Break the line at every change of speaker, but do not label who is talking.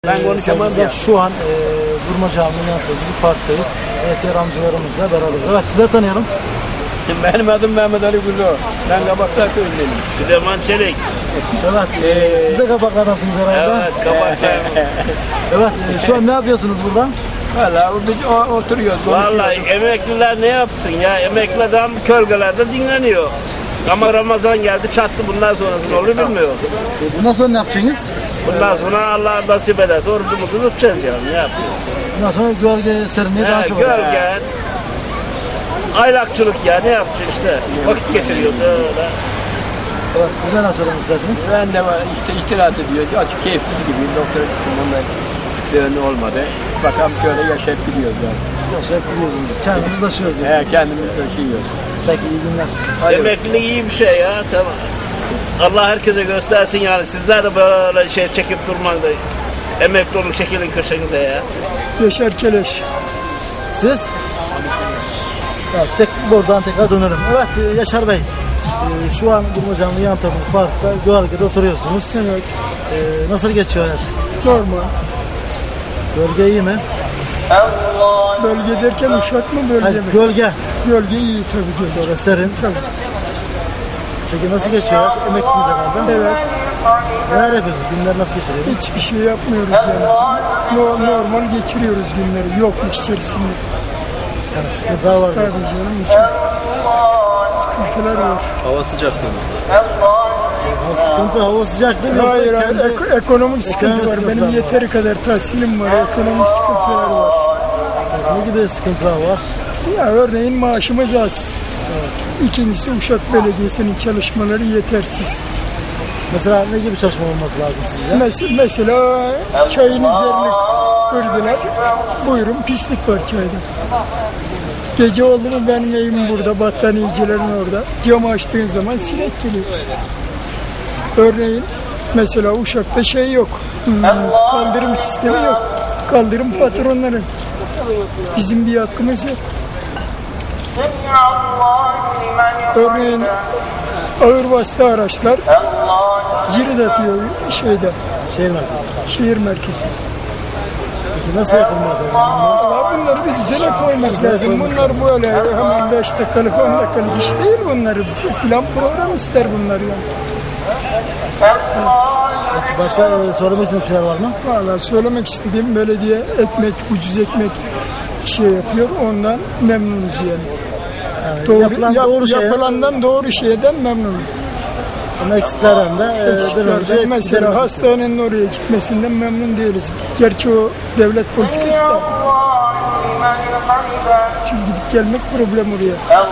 Ben konuşamam ya.
Şu an Burma Camii'nin yaptığı bir parktayız. Ehtiyar amcalarımızla beraberiz. Evet, sizleri tanıyalım.
Benim adım Mehmet Ali Güllo. Ben Kabaklar Köyü'ndenim.
Süleyman Çelik.
Evet, siz de Kabaklar'dasınız herhalde.
Evet, Kabaklar.
Evet, şu an ne yapıyorsunuz burada?
Valla biz oturuyoruz.
Vallahi emekliler ne yapsın ya? Emekli adam kölgelerde dinleniyor. Ama Ramazan geldi çattı, bundan sonrası ne olur bilmiyoruz.
Bundan sonra ne yapacaksınız?
Bundan sonra Allah nasip ederse orucumuzu tutacağız yani, ne yapıyoruz?
Bundan sonra gölge serinliği daha çok olacak.
Gölge, aylakçılık ya, ne yapacaksın işte? Vakit geçiriyoruz öyle.
Evet, siz neler söylemek istersiniz?
Ben de var işte istirahat ediyor. Açık keyifsiz gibi. Doktora gittim, onlar düğünü olmadı. Bakalım şöyle yaşayıp gidiyoruz yani.
Yaşayıp gidiyorsunuz. Kendimiz taşıyoruz.
Kendimiz taşıyoruz.
Peki, iyi günler.
Emeklilik iyi bir şey ya. Sen, Allah herkese göstersin yani. Sizler de böyle şey çekip durmayın da. Emekli olun, çekilin köşenize ya.
Yaşar Keleş.
Siz? Evet, buradan tekrar dönerim. Evet, Yaşar Bey. Şu an Burma Camii yan tarafı parkta gölgede oturuyorsunuz.
Evet.
Nasıl geçiyor hayat?
Normal.
Gölge iyi mi?
Bölge derken Uşak mı bölge
Hayır,
mi?
gölge.
Gölge iyi tabii ki.
Böyle serin.
Tabii.
Peki nasıl geçiyor hayat? Emeklisiniz herhalde.
Evet.
Neler yapıyorsunuz? Günler nasıl geçiyor?
Hiçbir şey yapmıyoruz yani. Normal geçiriyoruz günleri. Yokluk içerisinde.
Yani sıkıntılar var.
Tabii
diyorsunuz.
canım. Çok sıkıntılar var.
Hava sıcaklığımızda.
Hava sıcak değil mi? Yoksa
Hayır,
kendi-
ekonomik sıkıntı
Ekonomik
var.
sıkıntılar
Benim
var.
yeteri kadar tahsilim var. Ekonomik sıkıntılar var.
Ne gibi sıkıntılar var?
Ya örneğin maaşımız az. İkincisi Uşak Belediyesi'nin çalışmaları yetersiz.
Mesela ne gibi çalışma olması lazım sizce?
Mesela çayın üzerine kırdılar. Buyurun, pislik var çayda. Gece oldu mu benim evim burada, battaniyecilerin orada. Camı açtığın zaman sinek geliyor. Örneğin mesela Uşak'ta şey yok. Kaldırım sistemi yok. Kaldırım patronların. Bizim bir hakkımız yok. Örneğin ağır vasıta araçlar cirit atıyor şeyde,
Şehir merkezi.
şehir merkezi.
Peki nasıl yapılmaz yani?
Valla bunları bir düzene koymak lazım. Bunlar böyle hemen 5 dakikalık 10 dakikalık iş değil bunları. Plan program ister bunlar yani.
Peki başka söylemek istediğiniz şeyler var mı?
Valla söylemek istediğim belediye ekmek, ucuz ekmek şey yapıyor. Ondan memnunuz yani.
Yani yapılan doğru şey.
Yapılandan doğru şeyden memnunuz.
Ama eksiklerden de bir an önce
Mesela
giderilmesi
hastanenin oraya gitmesinden memnun değiliz. Gerçi o devlet politikası da. Çünkü gidip gelmek problem oraya.